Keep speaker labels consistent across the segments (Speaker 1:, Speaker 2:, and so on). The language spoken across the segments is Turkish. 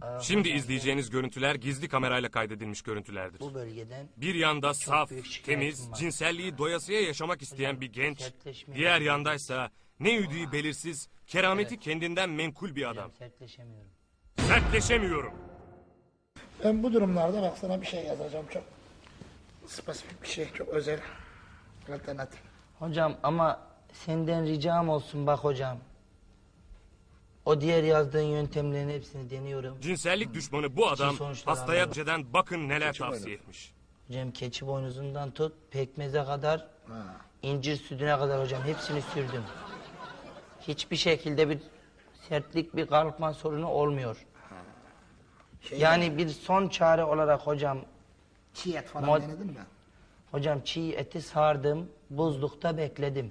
Speaker 1: Şimdi izleyeceğiniz görüntüler gizli kamerayla kaydedilmiş görüntülerdir.
Speaker 2: Bu bölgeden
Speaker 1: Bir yanda saf,
Speaker 2: büyük şikayetim
Speaker 1: temiz,
Speaker 2: var.
Speaker 1: cinselliği doyasıya yaşamak isteyen bir genç,
Speaker 2: sertleşme
Speaker 1: diğer
Speaker 2: yapıyorum.
Speaker 1: yandaysa ne yüdüğü belirsiz, kerameti kendinden menkul bir adam.
Speaker 2: Sertleşemiyorum.
Speaker 1: Sertleşemiyorum.
Speaker 3: Ben bu durumlarda bak sana bir şey yazacağım, çok spesifik bir şey, çok özel, alternatif.
Speaker 2: Hocam ama senden ricam olsun bak hocam. O diğer yazdığın yöntemlerin hepsini deniyorum.
Speaker 1: Cinsellik düşmanı bu adam
Speaker 2: sonuçlar
Speaker 1: hastaya
Speaker 2: anladım.
Speaker 1: önceden bakın neler
Speaker 3: Keçi
Speaker 1: tavsiye
Speaker 3: boynuzu.
Speaker 1: etmiş.
Speaker 2: Hocam keçi boynuzundan tut, pekmeze kadar, incir sütüne kadar hocam hepsini sürdüm. Hiçbir şekilde bir sertlik, bir kalkma sorunu olmuyor. Yani bir son çare olarak hocam,
Speaker 3: Çiğ et falan
Speaker 2: Mod-
Speaker 3: denedin mi?
Speaker 2: hocam çiğ eti sardım, buzlukta bekledim.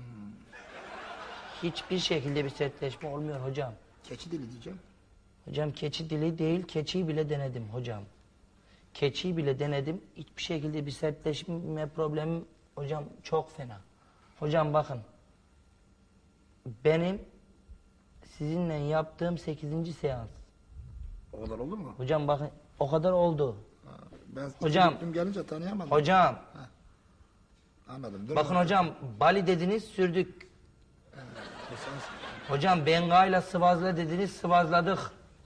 Speaker 2: Hiçbir şekilde bir sertleşme olmuyor hocam.
Speaker 3: Keçi dili diyeceğim.
Speaker 2: Hocam keçi dili değil, keçiyi bile denedim hocam. Keçiyi bile denedim, hiçbir şekilde bir sertleşme problemi hocam çok fena. Hocam bakın, benim sizinle yaptığım 8. seans.
Speaker 3: O kadar oldu mu?
Speaker 2: Hocam bakın, o kadar oldu.
Speaker 3: Ben
Speaker 2: Hocam.
Speaker 3: gittim gelince tanıyamadım.
Speaker 2: Hocam,
Speaker 3: Anladım. Dur
Speaker 2: bakın
Speaker 3: lan.
Speaker 2: hocam, Bali dediniz sürdük.
Speaker 3: Bu sensin.
Speaker 2: Hocam Benga'yla sıvazla dediniz sıvazladık.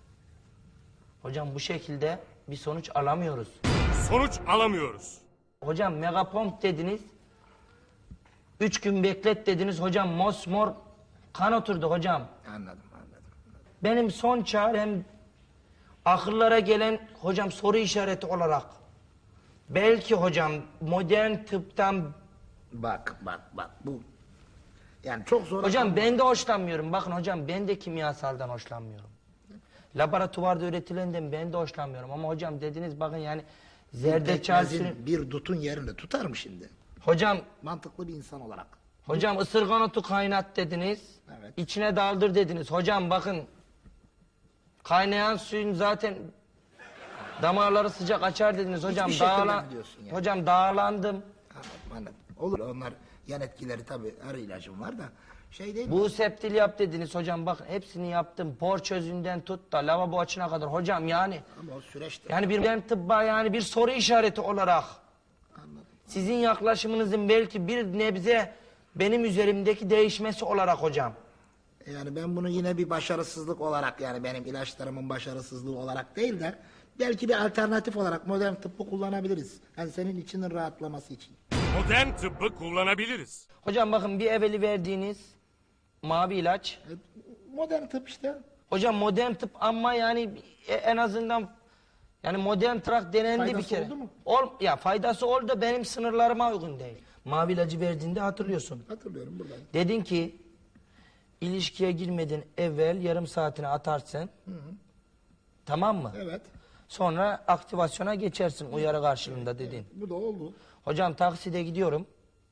Speaker 2: Hocam bu şekilde bir sonuç alamıyoruz.
Speaker 1: Sonuç alamıyoruz.
Speaker 2: Hocam megapomp dediniz. 3 gün beklet dediniz hocam, mosmor kan oturdu hocam.
Speaker 3: Anladım.
Speaker 2: Benim son çarem akıllara gelen hocam soru işareti olarak. Belki hocam modern tıptan
Speaker 3: Bak bu. Yani çok zor.
Speaker 2: hocam ben de hoşlanmıyorum. Bakın hocam ben de kimyasaldan hoşlanmıyorum. Laboratuvarda üretilenden ben de hoşlanmıyorum. Ama hocam dediniz bakın yani zerdeçal sürü...
Speaker 3: Bir dutun yerini tutar mı şimdi?
Speaker 2: Hocam
Speaker 3: Mantıklı bir insan olarak.
Speaker 2: ısırgan otu kaynat dediniz.
Speaker 3: Evet.
Speaker 2: İçine daldır dediniz. Hocam bakın kaynayan suyun zaten damarları sıcak açar dediniz. Hocam
Speaker 3: Hiçbir şekilde mi diyorsun yani?
Speaker 2: Hocam dağlandım.
Speaker 3: Anladım. Olur, onlar yan etkileri tabii, her ilacım var da şey değil mi?
Speaker 2: Bu septil yap dediniz hocam, bakın hepsini yaptım. Por çözünden tut da lavabo açına kadar hocam yani.
Speaker 3: Ama o süreçte.
Speaker 2: Yani bir tıbba yani bir soru işareti olarak.
Speaker 3: Anladım.
Speaker 2: Sizin yaklaşımınızın belki bir nebze benim üzerimdeki değişmesi olarak hocam.
Speaker 3: Yani ben bunu yine bir başarısızlık olarak, yani benim ilaçlarımın başarısızlığı olarak değil de belki bir alternatif olarak modern tıbbı kullanabiliriz. Yani senin içinin rahatlaması için.
Speaker 1: Modern tıbbı kullanabiliriz.
Speaker 2: Hocam bakın bir evveli verdiğiniz mavi ilaç.
Speaker 3: Modern tıp işte.
Speaker 2: Hocam modern tıp ama yani en azından yani modern tırak denendi
Speaker 3: Faydası
Speaker 2: bir kere.
Speaker 3: oldu mu?
Speaker 2: Ya faydası oldu da benim sınırlarıma uygun değil. Mavi ilacı verdiğinde hatırlıyorsun.
Speaker 3: Hatırlıyorum buradan.
Speaker 2: Dedin ki ilişkiye girmeden evvel yarım saatini atarsın. Tamam mı?
Speaker 3: Evet.
Speaker 2: Sonra aktivasyona geçersin uyarı karşılığında dedin.
Speaker 3: Bu da oldu.
Speaker 2: Hocam takside gidiyorum.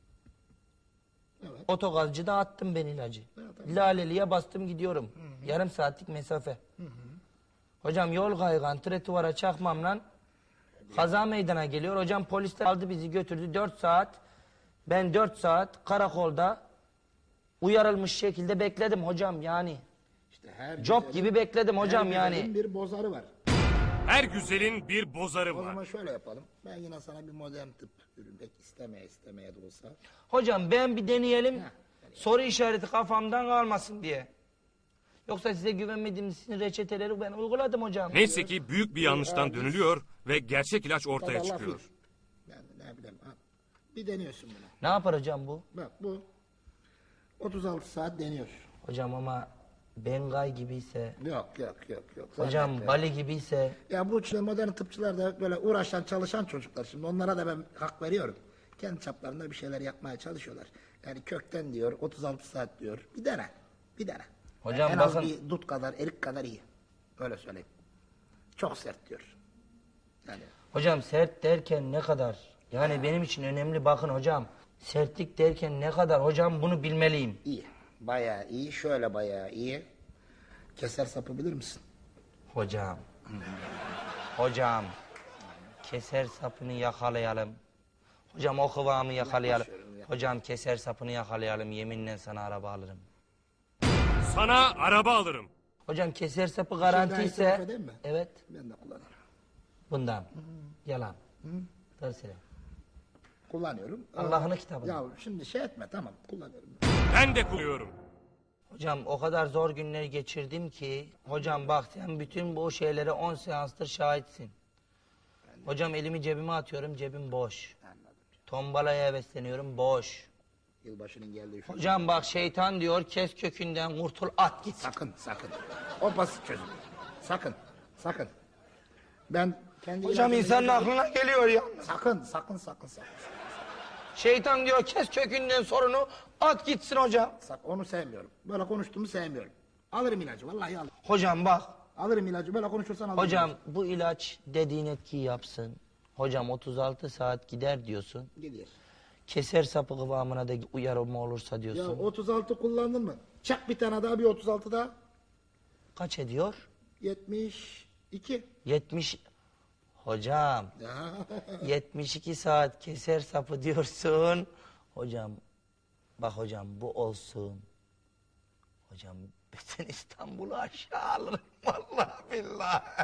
Speaker 3: Evet.
Speaker 2: Otogazcıda attım ben ilacı. Laleli'ye bastım gidiyorum. Yarım saatlik mesafe. Hocam yol kaygan tretuvara çakmamla kaza meydana geliyor. Hocam polisler aldı bizi götürdü 4 saat. Ben 4 saat karakolda uyarılmış şekilde bekledim hocam yani.
Speaker 3: İşte her
Speaker 2: Job
Speaker 3: güzelin-
Speaker 2: gibi bekledim hocam
Speaker 3: her
Speaker 2: yani.
Speaker 3: güzelin bir bozarı var.
Speaker 1: Her güzelin bir bozarı
Speaker 3: O zaman
Speaker 1: var.
Speaker 3: şöyle yapalım. Ben yine sana bir modern tıp ürünmek istemeye de olsa.
Speaker 2: Hocam ben bir deneyelim. Soru işareti kafamdan kalmasın diye. Yoksa size güvenmediğim sizin reçeteleri ben uyguladım hocam.
Speaker 1: Neyse ki büyük bir yanlıştan dönülüyor ve gerçek ilaç ortaya
Speaker 3: Tabii Allah
Speaker 1: çıkıyor.
Speaker 3: bilir. Yani ne bileyim. Bir deniyorsun bunu.
Speaker 2: Ne yapar hocam bu?
Speaker 3: Bak bu 36 saat deniyor.
Speaker 2: Hocam ama Bengay gibiyse,
Speaker 3: Yok.
Speaker 2: hocam
Speaker 3: Zannetme.
Speaker 2: Bali gibiyse,
Speaker 3: Ya bu işte modern tıpçılar da böyle uğraşan çalışan çocuklar, şimdi onlara da ben hak veriyorum. Kendi çaplarında bir şeyler yapmaya çalışıyorlar. Yani kökten diyor 36 saat diyor. Bir dene.
Speaker 2: Hocam
Speaker 3: en az
Speaker 2: bakın-
Speaker 3: bir dut kadar, erik kadar iyi. Öyle söyleyeyim. Çok sert diyor. Yani
Speaker 2: hocam sert derken ne kadar? Yani benim için önemli bakın hocam. Sertlik derken ne kadar hocam bunu bilmeliyim.
Speaker 3: iyi. Bayağı iyi. Şöyle bayağı iyi. Keser sapı bilir misin?
Speaker 2: Hocam. Hocam. Keser sapını yakalayalım. Hocam o kıvamı yakalayalım. Hocam keser sapını yakalayalım. Yeminle sana araba alırım.
Speaker 1: Sana araba alırım.
Speaker 2: Hocam keser sapı garanti
Speaker 3: daha
Speaker 2: ise...
Speaker 3: itiraf edeyim mi?
Speaker 2: Evet.
Speaker 3: Ben de kullanırım.
Speaker 2: Bundan. Yalan. Doğru söyle.
Speaker 3: Kullanıyorum.
Speaker 2: Allah'ın kitabını.
Speaker 3: Ya şimdi şey etme, tamam, kullanıyorum.
Speaker 1: Ben de kullanıyorum.
Speaker 2: Hocam o kadar zor günler geçirdim ki... Hocam bak sen bütün bu şeylere 10 seanstır şahitsin. Hocam elimi cebime atıyorum, cebim boş.
Speaker 3: Anladım.
Speaker 2: Tombalaya hevesleniyorum, boş.
Speaker 3: Yılbaşının geldiği şu.
Speaker 2: Hocam bak şeytan diyor, kes kökünden kurtul, at git.
Speaker 3: Sakın, sakın. O basit çözüm. Sakın, sakın. Ben kendi...
Speaker 2: Hocam insanın aklına geliyor ya.
Speaker 3: Sakın, sakın, sakın, sakın.
Speaker 2: Şeytan diyor, kes kökünden sorunu, at gitsin hocam.
Speaker 3: Sakın, onu sevmiyorum. Böyle konuştuğumu sevmiyorum. Alırım ilacı, vallahi alırım.
Speaker 2: Hocam bak,
Speaker 3: Alırım ilacı, böyle konuşursan alırım.
Speaker 2: hocam
Speaker 3: ilacı.
Speaker 2: bu ilaç dediğin etkiyi yapsın. Hocam 36 saat gider diyorsun.
Speaker 3: Gidiyor.
Speaker 2: Keser sapı kıvamına da uyarılma olursa
Speaker 3: Ya
Speaker 2: diyorsun.
Speaker 3: 36 kullandın mı? Çak bir tane daha, bir 36 daha.
Speaker 2: Kaç ediyor?
Speaker 3: 72.
Speaker 2: 70. Hocam 72 saat keser sapı diyorsun. Hocam bak hocam bu olsun. Hocam bütün İstanbul'u aşağı alırım vallahi billahi.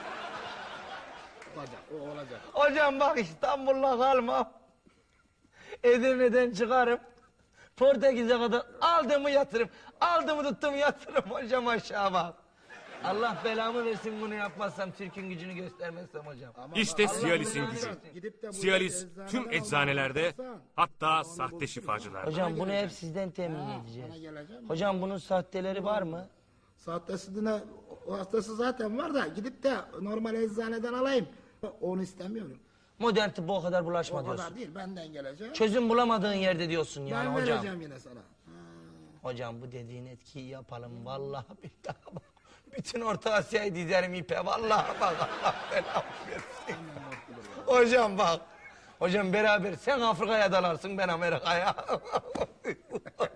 Speaker 3: Olacak, o olacak.
Speaker 2: Hocam bak İstanbul'la kalmam. Edirne'den çıkarım. Portekiz'e kadar aldığımı yatırım. Aldığımı tuttum yatırım hocam aşağı bak. Allah belamı versin bunu yapmazsam, Türk'ün gücünü göstermezsem hocam.
Speaker 1: İşte
Speaker 2: Allah
Speaker 1: Cialis'in
Speaker 2: belanı
Speaker 1: gücü.
Speaker 2: versin.
Speaker 3: Gidip de bu
Speaker 1: Cialis
Speaker 3: eczaneden
Speaker 1: tüm
Speaker 3: almaya
Speaker 1: eczanelerde,
Speaker 3: kalkarsan,
Speaker 1: hatta sahte şifacılar.
Speaker 2: Hocam bunu hep sizden temin
Speaker 3: bana
Speaker 2: edeceğiz.
Speaker 3: geleceğim.
Speaker 2: Hocam bunun sahteleri var mı?
Speaker 3: Sahtesine, o hastası zaten var da gidip de normal eczaneden alayım. Onu istemiyorum.
Speaker 2: Modern tıbba o kadar bulaşma
Speaker 3: O
Speaker 2: diyorsun.
Speaker 3: kadar değil, benden gelecek.
Speaker 2: Çözüm bulamadığın yerde diyorsun yani
Speaker 3: Ben
Speaker 2: hocam.
Speaker 3: vereceğim yine sana.
Speaker 2: Hocam bu dediğin etkiyi yapalım vallahi billahi bak. Bütün Orta Asya'yı dizerim ipe vallahi bak Allah belamı versin. Hocam bak. Hocam beraber sen Afrika'ya dalarsın ben Amerika'ya.